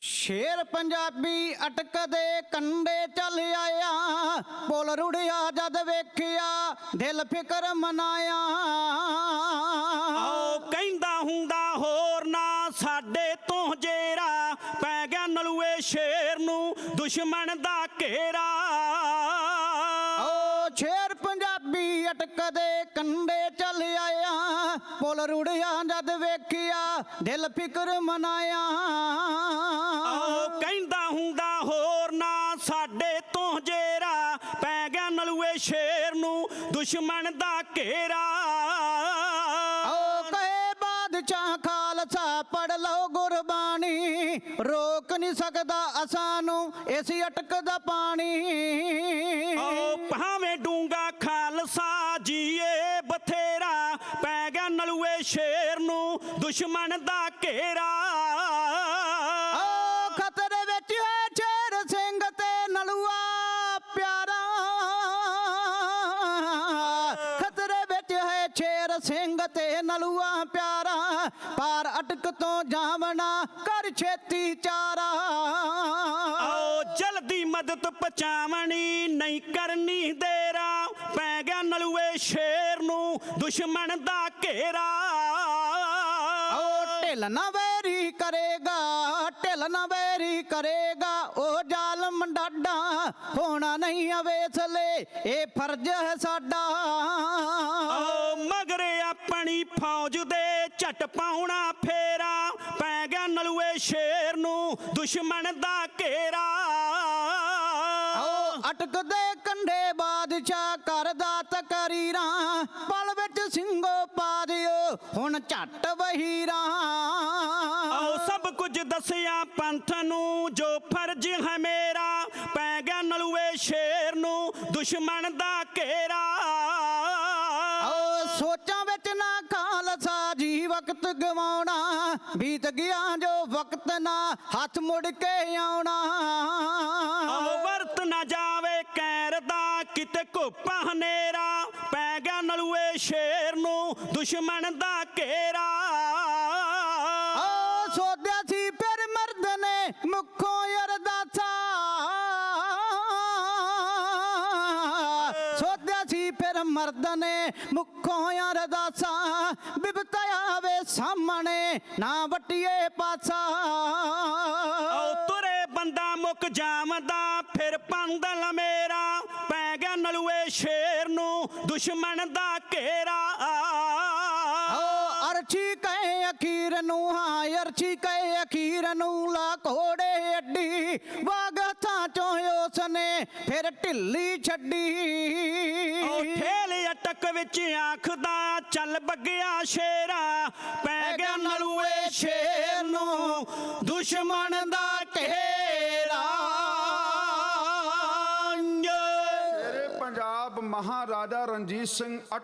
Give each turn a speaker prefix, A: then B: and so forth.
A: ਸ਼ੇਰ ਪੰਜਾਬੀ ਅਟਕਦੇ ਕੰਡੇ ਚੱਲ ਆਇਆ, ਪੁੱਲ ਰੁੜਿਆ ਜਦ ਵੇਖਿਆ ਦਿਲ ਫਿਕਰ ਮਨਾਇਆ।
B: ਆਓ ਕਹਿੰਦਾ ਹੁੰਦਾ ਹੋਰ ਨਾ ਸਾਡੇ ਤੋਂ ਜੇਰਾ, ਪੈ ਗਿਆ ਨਲੂਏ ਸ਼ੇਰ ਨੂੰ ਦੁਸ਼ਮਣ ਦਾ ਘੇਰਾ।
A: ਓ ਸ਼ੇਰ ਪੰਜਾਬੀ ਅਟਕਦੇ ਕੰਡੇ ਚੱਲ ਆਇਆ, ਪੁੱਲ ਰੁੜਿਆ ਜਦ ਵੇਖਿਆ ਦਿਲ ਫਿਕਰ ਮਨਾਇਆ।
B: ਆਓ ਕਹਿੰਦਾ ਹੁੰਦਾ ਹੋਰ ਨਾ ਸਾਡੇ ਤੋਂ ਜੇਰਾ, ਪੈ ਗਿਆ ਨਲੂਏ ਸ਼ੇਰ ਨੂੰ ਦੁਸ਼ਮਣ ਦਾ ਘੇਰਾ।
A: ਓ ਕਹੇ ਬਾਦਸ਼ਾਹ ਖਾਲਸਾ ਪੜ ਲਓ ਗੁਰਬਾਣੀ, ਰੋਕ ਨਹੀਂ ਸਕਦਾ ਅਸਾਂ ਨੂੰ ਇਸ ਅਟਕ ਦਾ ਪਾਣੀ।
B: ਓ ਭਾਵੇਂ ਡੂੰਗਾ ਖਾਲਸਾ ਜੀਏ ਬਥੇਰਾ, ਪੈ ਗਿਆ ਨਲੂਏ ਸ਼ੇਰ ਨੂੰ ਦੁਸ਼ਮਣ ਦਾ ਘੇਰਾ।
A: ਓ ਖਤਰੇ ਵਿੱਚ ਹੈ ਸ਼ੇਰ ਸਿੰਘ ਤੇ ਨਲੂਆ ਪਿਆਰਾ, ਖਤਰੇ ਵਿੱਚ ਹੈ ਸ਼ੇਰ ਸਿੰਘ ਤੇ ਨਲੂਆ ਪਿਆਰਾ, ਪਾਰ ਅਟਕ ਤੋਂ ਜਾਵਣਾ ਕਰ ਛੇਤੀ ਚਾਰਾ।
B: ਆਓ ਜਲਦੀ ਮਦਦ ਪਹੁੰਚਾਵਣੀ ਨਹੀਂ ਕਰਨੀ ਦੇਰਾ, ਪੈ ਗਿਆ ਨਲੂਏ ਸ਼ੇਰ ਨੂੰ ਦੁਸ਼ਮਣ ਦਾ ਘੇਰਾ।
A: ਓ ਢਿੱਲ ਨਾ ਵੈਰੀ ਕਰੇਗਾ, ਢਿੱਲ ਨਾ ਵੈਰੀ ਕਰੇਗਾ, ਉਹ ਜ਼ਾਲਮ ਡਾਡਾ ਹੋਣਾ ਨਹੀਂ ਅਵੇਸਲੇ ਇਹ ਫਰਜ਼ ਹੈ ਸਾਡਾ।
B: ਆਓ ਮਗਰੇ ਆਪਣੀ ਫੌਜ ਦੇ ਝਟ ਪਾਉਣਾ ਫੇਰਾ, ਪੈ ਗਿਆ ਨਲੂਏ ਸ਼ੇਰ ਨੂੰ ਦੁਸ਼ਮਣ ਦਾ ਘੇਰਾ।
A: ਓ ਅਟਕਦੇ ਕੰਢੇ ਬਾਦਸ਼ਾਹ ਕਰਦਾ ਤਕਰੀਰਾਂ, ਪਲ ਵਿੱਚ ਸਿੰਘੋ ਪਾ ਦਿਓ ਹੁਣ ਝੱਟ ਵਹੀਰਾਂ।
B: ਆਓ ਸਭ ਕੁਝ ਦੱਸਿਆ ਪੰਥ ਨੂੰ ਜੋ ਫਰਜ਼ ਹੈ ਮੇਰਾ, ਪੈ ਗਿਆ ਨਲੂਏ ਸ਼ੇਰ ਨੂੰ ਦੁਸ਼ਮਣ ਦਾ ਘੇਰਾ।
A: ਓ ਸੋਚਾਂ ਵਿੱਚ ਨਾ ਖਾਲਸਾ ਜੀ ਵਕਤ ਗਵਾਉਣਾ, ਬੀਤ ਗਿਆ ਜੋ ਵਕਤ ਨਾ ਹੱਥ ਮੁੜ ਕੇ ਆਉਣਾ।
B: ਆਓ ਵਰਤ ਨਾ ਜਾਵੇ ਕੈਰ ਦਾ ਕਿਤੇ ਘੋਪਾ ਹਨੇਰਾ, ਪੈ ਗਿਆ ਨਲੂਏ ਸ਼ੇਰ ਨੂੰ ਦੁਸ਼ਮਣ ਦਾ ਘੇਰਾ।
A: ਓ ਸੋਧਿਆ ਸੀ ਫਿਰ ਮਰਦ ਨੇ ਮੁੱਖੋਂ ਅਰਦਾਸਾ, ਸੋਧਿਆ ਸੀ ਫਿਰ ਮਰਦ ਨੇ ਮੁੱਖੋਂ ਅਰਦਾਸਾ, ਬਿਪਤਾ ਆਵੇ ਸਾਹਮਣੇ ਨਾ ਵਟੀਏ ਪਾਸਾ।
B: ਆਓ ਤੁਰੇ ਬੰਦਾ ਮੁੱਕ ਜਾਵਦਾ ਫਿਰ ਪੰਦਲ ਮੇਰਾ, ਪੈ ਗਿਆ ਨਲੂਏ ਸ਼ੇਰ ਨੂੰ ਦੁਸ਼ਮਣ ਦਾ ਘੇਰਾ।
A: ਓ ਅਰਸ਼ੀ ਕਹੇ ਅਖੀਰ ਨੂੰ, ਹਾਂ ਅਰਸ਼ੀ ਕਹੇ ਅਖੀਰ ਨੂੰ, ਲਾ ਘੋੜੇ ਅੱਡੀ ਵਾਗ ਹੱਥਾਂ ਚੋਂ ਉਸਨੇ ਫਿਰ ਢਿੱਲੀ ਛੱਡੀ।
B: ਓ ਠੇਲ ਅਟਕ ਵਿੱਚ ਆਖਦਾ ਚੱਲ ਬੱਗਿਆ ਸ਼ੇਰਾ, ਪੈ ਗਿਆ ਨਲੂਏ ਸ਼ੇਰ ਨੂੰ ਦੁਸ਼ਮਣ ਦਾ ਘੇਰਾ।
C: ਸ਼ੇਰੇ ਪੰਜਾਬ ਮਹਾਰਾਜਾ ਰਣਜੀਤ ਸਿੰਘ